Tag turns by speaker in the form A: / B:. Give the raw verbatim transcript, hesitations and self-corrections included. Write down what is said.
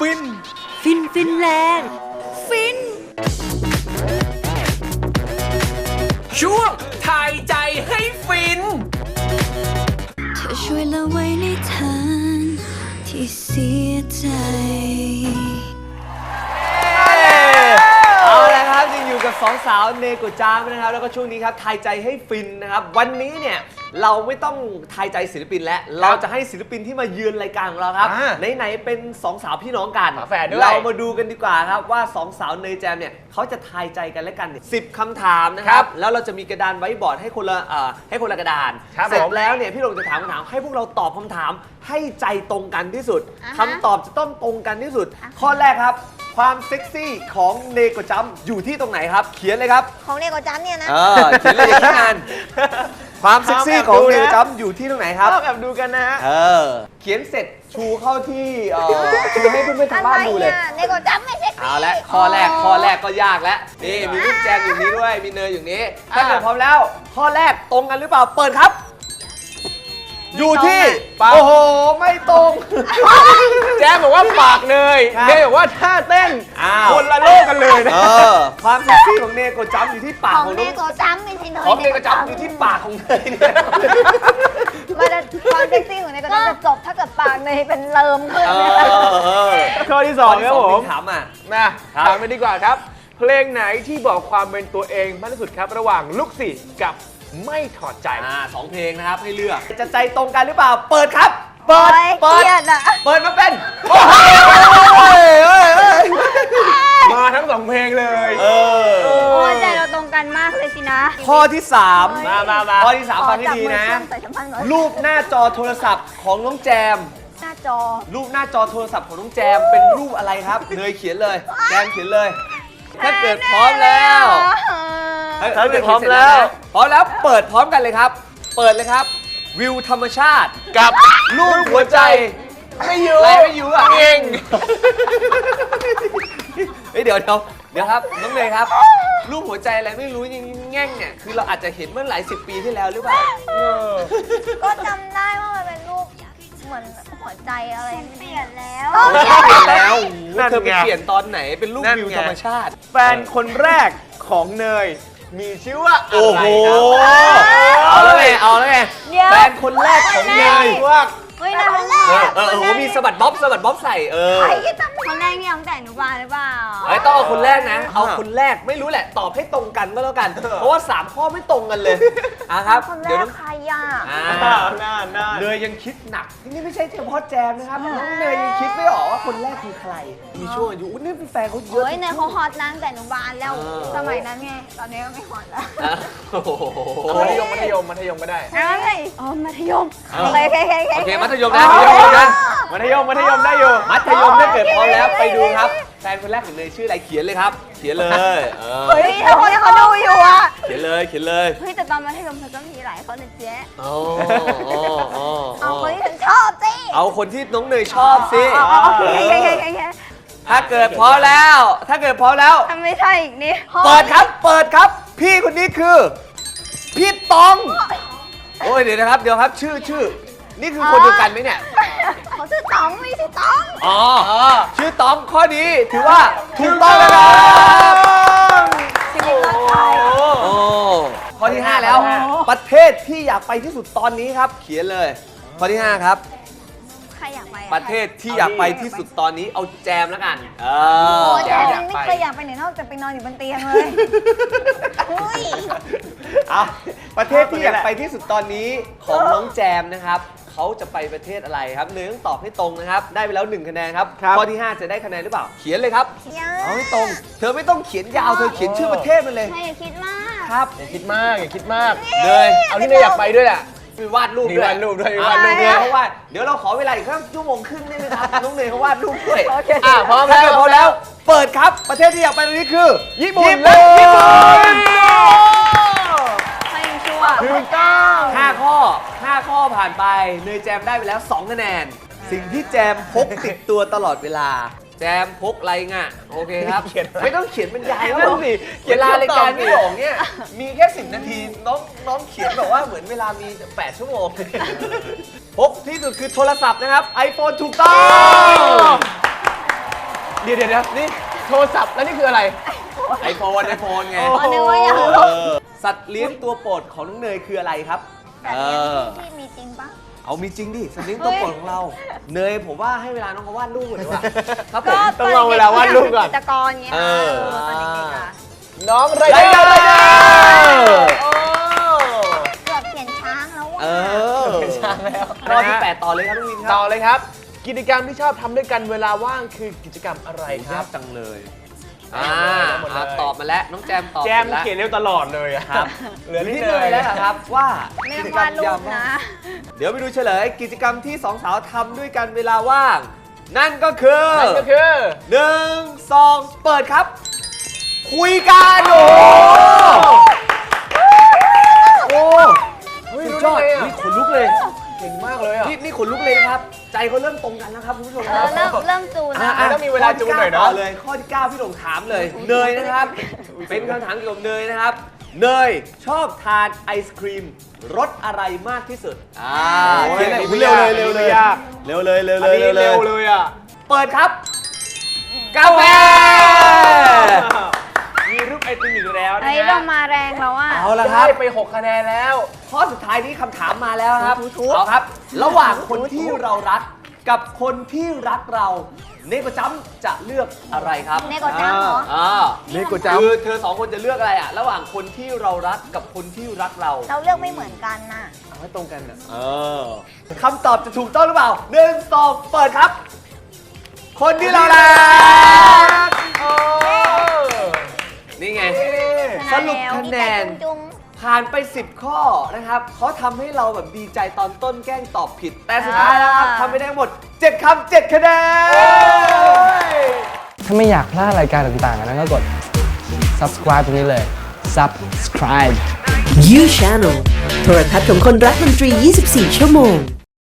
A: ฟิน
B: ฟินฟินแลนด์ฟิน
A: ช่วงถ่ายใจให้ฟิน
B: เธอช่วยละไว้ในทางที่เสียใจ
C: เอาละครับยังอยู่กับสองสาวเนโกะจามนะครับแล้วก็ช่วงนี้ครับทายใจให้ฟินนะครับวันนี้เนี่ยเราไม่ต้องทายใจศิลปินแล้วเราจะให้ศิลปินที่มาเยือนรายการของเราครับไหนๆเป็นสองสาวพี่น้องกันเรามาดูกันดีกว่าครับว่าสองสาวเนยแจมเนี่ยเขาจะทายใจกันและกันสิบคำถามนะครับแล้วเราจะมีกระดานไว้บอร์ดให้คนละเอ่อให้คนละกระดานเสร็จแล้วเนี่ยพี่ลงจะถามคำถามให้พวกเราตอบคำถามให้ใจตรงกันที่สุดคำตอบจะต้องตรงกันที่สุดข้อแรกครับความเซ็กซี่ของเนโกะจัมอยู่ที่ตรงไหนครับเขียนเลยครับ
D: ของเนโกะจัมเนี่ยนะ
C: เออเขียนเลยอย่าคิดนานความเซ็กซี่ของเนโกะจัมอยู่ที่ตรงไหนครับ
A: แอบดูกันนะฮะ
C: เออเขียนเสร็จชูเข้าที่เอ่อชูให้เพื่อนๆทางบ้านดูเลย
D: เนโกะจัมไม่เซ็กซี่
C: เอาละข้อแรกข้อแรกก็ยากแล้วนี่มีลูกแจมอยู่นี้ด้วยมีเนยอยู่นี้ถ้าเกิดพร้อมแล้วข้อแรกตรงกันหรือเปล่าเปิดครับอยู่ที่โอ้โหไม่ตรง
A: แจมบอกว่าปากเนยเนยบอกว่าท่าเต้นคนละโลกกันเลยนะ
C: ความเซ็กซี่ของเนโกะจัมอยู่ที่ปากของ
D: เนโกะจัมไม่ใช่เนย
C: ของเนโกะจัมอยู่ที่ปากของเนย
D: มันจะความเซ็กซี่ของเนโกะจัมจะจบถ้าเกิดปากเนยเป็นเลิมขึ้น
A: ข้อที่สองครับผม
C: ถามอ่ะ
A: นะถามไปดีกว่าครับเพลงไหนที่บอกความเป็นตัวเองมากที่สุดครับระหว่างลุกสี่กับไม่ถอดใจ
C: อ่าสองเพลงนะครับให้เลือกจะใจตรงกันหรือเปล่าเปิดครับ
D: เปิดเปิด
C: เปิดมาเป็น
A: มาทั้งสองเพลงเลย
C: เออ
D: โอ้ใจเราตรงกันมากเลยสินะ
C: ข้อที่สาม
A: มามามา
C: ข้อที่สามฟังให้ดีนะรูปหน้าจอโทรศัพท์ของน้องแจม
D: หน้าจอ
C: รูปหน้าจอโทรศัพท์ของน้องแจมเป็นรูปอะไรครับเนยเขียนเลยแจมเขียนเลยถ้าเกิดพร้อมแล้ว
A: ถ้าเกิดพร้อมแล้ว
C: พร้อมแล้วเปิดพร้อมกันเลยครับเปิดเลยครับวิวธรรมชาติ
A: กับ
C: รูปหัวใจ
A: ไม่อยู่
C: อะไรไม่อยู่อ่ะ
A: เอง
C: เฮ้ยเดี๋ยวเดี๋ยวเดี๋ยวครับน้องเนยครับรูปหัวใจอะไรไม่รู้ยังแง่งเนี่ยคือเราอาจจะเห็นเมื่อหลายสิบปีที่แล้วหรือเปล่า
D: ก็จำได้ว่ามันเป็นรูปเหมือนหัวใจอะไรเปลี่ยนแล้ว
C: เปลี่ยนแล้วเธอไปเปลี่ยนตอนไหนเป็นรูปวิวธรรมชาติ
A: แฟนคนแรกของเนยมีชื่อว่า
C: โอ้โหเอาแล้วไงเอาแล้วไงแฟนคนแรกของเนยว่า
D: เฮ้ยคนแรก
C: เออโอ้โหมีสะบัดบ๊อบสะบัดบ๊อบใส่เออ
D: คนแรกนี่ตั้งแต่หนูบานหรือเปล่า
C: เอ้ยต้องเอาคนแรกนะเอาคนแรกไม่รู้แหละตอบให้ตรงกันก็แล้วกันเพราะว่าสามข้อไม่ตรงกันเลยอ่ะครับ
D: เดี๋ยวใครอ่ะ
C: เนยยังคิดหนักนี่ไม่ใช่เฉพาะแจมนะครับน้องเนยยังคิดไม่ออกว่าคนแรกคือใครมีช่วงอายุนี่เป็นแฟนเขาเยอะ
D: เฮ้ยเนยเขาฮอตนั่งแต่หนูบานแล้วสมัยนั้นไงตอนนี้ก็ไม่ฮอตแล้ว
A: มัธยมมัธยมมัธยมก็ได้
D: ใช่อ๋อมัธยมโอเคโอเค
C: โอเคมัธยมนะมัธยมนะ
A: มัธยมมัธยมได้อยู่
C: มัธยมถ้าเกิดพร้อมแล้วไปดูครับแฟนคนแรกของเนยชื่ออะไรเขียนเลยครับเขียนเลย
D: เฮ้ยทุกคนเขาดูอยู่อ่ะ
C: เขียนเลยเขียนเลย
D: เฮ้ยแต่ตอนมัธยมเธอก็มีหลายคนนะเจ๊
C: โอ้
D: เอาคนที่ฉันชอบสิ
C: เอาคนที่น้องเนยชอบสิ
D: โอเคโอเคโอเค
C: ถ้าเกิดพร้อมแล้วถ้าเกิดพร้อมแล้ว
D: ทำไม่ใช่อีกนี่
C: เปิดครับเปิดครับพี่คนนี้คือพี่ตองโอ้ยเดี๋ยวนะครับเดี๋ยวครับชื่อชื่อนี่คือคนเดียวกันไหมเนี่ย
D: เขาชื่อตองไม่ใช่ตอง
C: อ๋อชื่อตองข้อนี้ถือว่าถูกต้องแล้วครับโอ้ข้อที่ห้าแล้วประเทศที่อยากไปที่สุดตอนนี้ครับเขียนเลยข้อที่ห้าครับ
D: ใครอยากไป
C: ประเทศที่อยากไปที่สุดตอนนี้เอาแจมแล้วกันเอ
D: อแจมไม่เคยอยากไปไหนนอกจากไปนอนอยู่บนเตียงเลย
C: อ่ะประเทศที่อยากไปที่สุดตอนนี้ของน้องแจมนะครับเขาจะไปประเทศอะไรครับเนยต้องตอบให้ตรงนะครับได้ไปแล้วหนึ่งคะแนนครับข้อที่ห้าจะได้คะแนนหรือเปล่าเขียนเลยครับเอาให้ตรงเธอไม่ต้องเขียนยาวเธอเขียนชื่อประเทศมันเลย
D: อย่าคิดมาก
C: ครับ
A: อย่าคิดมากอย่าคิดมากเลยเอาที่เนยอยากไปด้วยแหละ
C: มีวาดรูปด้วย
A: วาดรูปด้วย
C: วาดรูปด้วยเพราะว่าเดี๋ยวเราขอเวลาอีกแค่ชั่วโมงครึ่งได้ไหมครับน้องเนยเขาวาดรูปด้วย
A: อ่ะพร้อมแล้ว
C: พร้อมแล้วเปิดครับประเทศที่อยากไปตอนนี้คือ
A: ญี่ปุ่นและญี่ปุ่น
C: ถูกต้องห้าข้อห้าข้อผ่านไปเนยแจมได้ไปแล้วสองคะแนนสิ่งที่แจมพกติดตัวตลอดเวลาแจมพกอะไรง่ะโอเคครับไม่ต้องเขียนบรรยายว่าเวลารายการพี่หลงเนี่ยมีแค่สิบนาทีน้องน้องเขียนแบบว่าเหมือนเวลามีแปดชั่วโมงพกที่สุดคือโทรศัพท์นะครับ ไอโฟน ถูกต้อง
A: เดี๋ยวเดี๋ยวเดี๋ยวนี่โทรศัพท์แล้วนี่คืออะไร
C: ไอโฟนไอโฟนไง
D: อ๋อนึกว่าอยาก
C: เออสัตว์เลี้ยงตัวโปรดของน้องเนยคืออะไรครับ
D: แบบ
C: เอ
D: นี้
C: อ
D: ที่มีจริงปะ
C: เอามีจริงดิสัตว์เลี้ยงตัวโปรดของเรา เนยผมว่าให้เวลาน้องเขาวาดรูปก่อนดีกว่าครับผม
A: ต้องลองเวลาวาดรูปก่อน
D: จิตรกรเงี้ย
C: เออ
D: ตอนเด็กๆอะ
A: น้องไร
C: ไร
A: เด
C: เด
A: อ
C: อร์
A: ร์
C: ไรเดอร์
A: โอ้
D: เกือบเปลี่ยนช้างแล้วว่ะ
C: เออ
A: เปลี่ยนช้างแล้ว
C: ข้อที่แปดต่อเลยครับน้องวินค
A: ต่
C: รั
A: อบ เลยครับ กิจกรรมที่ชอบทำด้วยกันเวลาว่างคือกิจกรรมอะไรค
C: ยา
A: รั
C: ก
A: บ
C: จังเลยอ่า
A: หมดเลย
C: อ่ะตอบมาแล้วน้องแจมตอบ
A: แจม
C: แล้ว
A: เขียนเร็วตลอดเลยอะ
C: ครับ
A: เหลือนิด
C: ที่
A: เล
C: เลย
A: ย
C: แล้วล่ะครับว่า
D: ไม่
C: กิ
D: ต้อง
C: จกรร
D: วาม ดรู
C: ยา
D: ป
C: มว่าง
D: นะ
C: เดี๋ยวไปดูเฉลยกิจกรรมที่สองสาวทำด้วยกันเวลาว่าง นั่นก็คือ
A: นั่นก็คือ
C: หนึ่งสองเปิดครับ คุยกันโอ้โห
A: เฮ้ย
C: สุด
A: รู้
C: ย
A: ได้
C: อด
A: ไงอะ
C: นี่ขนลุกเลย
A: เก่งมากเลยอ่ะ
C: นี่นี่ขนลุกเลยนะครับ ใจเขาเริ่มตรงกันแล้วครับคุณผู้ชม
D: เอ
C: ครั
D: อบ เริ่มเริ่มจูน
C: อ่ะ
D: นะ
C: อ่ะ
A: ต้องมีเวลาจูนหน่อยเนอะ
C: ข้ที่ก้าต่เลยข้อที่เก้าพี่หลงถามเลยเนยนะครับ เป็นคำถามเกี่ยวกับเนยนะครับ เนยชอบทานไอศครีมรสอะไรมากที่สุดอ่า
A: โอ้ย
C: เขียนหน่อย
A: ไม่
C: เร็วย
A: าก
C: เลยเร็วเลย
A: ไม่ยาก
C: เร็วเลยเร็ว
A: อั
C: เล
A: น
C: ย
A: นี้
C: เร็ว
A: เร็ว
C: เล
A: เลย ยอ่ะ
C: เปิดครับ กาแฟ
A: มีรูปไอติมอีกแล้วนะ
D: ไอ้
A: ฮะ
D: เรามาแรงแล้วอ่ะ
C: เอาละครับ
A: ได้ไปหกคะแนนแล้ว
C: ข้อสุดท้ายนี้คำถามมาแล้วนะครับ
D: ถูกๆ
C: เอาครับ ระหว่างคนที่เรารักกับคนที่รักเราเนโกจัมจะเลือกอะไรครับ
D: เนโกจัมเหรอ
C: อ่า
A: เนโกจัม
C: คือเธอสองคนจะเลือกอะไรอ่ะ ระหว่างคนที่เรารักกับคนที่รักเรา
D: เราเลือกไม่เหมือนกันน่ะ
A: เอาให้ตรงกันอ่ะ
C: เออคำตอบจะถูกต้องหรือเปล่าหนึ่งสองเปิดครับ คนที่เรารัก
A: โอ้
C: นี่ไง
D: ช
C: ส
D: นะ
C: รุป
D: แล้ว
C: คะแนน
D: ดีใจจุง
C: ผ่านไป สิบ ข้อนะครับเขาทำให้เราแบบดีใจตอนต้นแกล้งตอบผิด แต่สุดท้ายแล้วครับทำไปได้หมด เจ็ด คำเจ็ด คะแนน
E: ถ้าไม่อยากพลาดรายการต่างๆนะก็กด subscribe ตรงนี้เลย subscribe
F: You Channel โทรทัศน์ของคนรักดนตรี ยี่สิบสี่ ชั่วโมง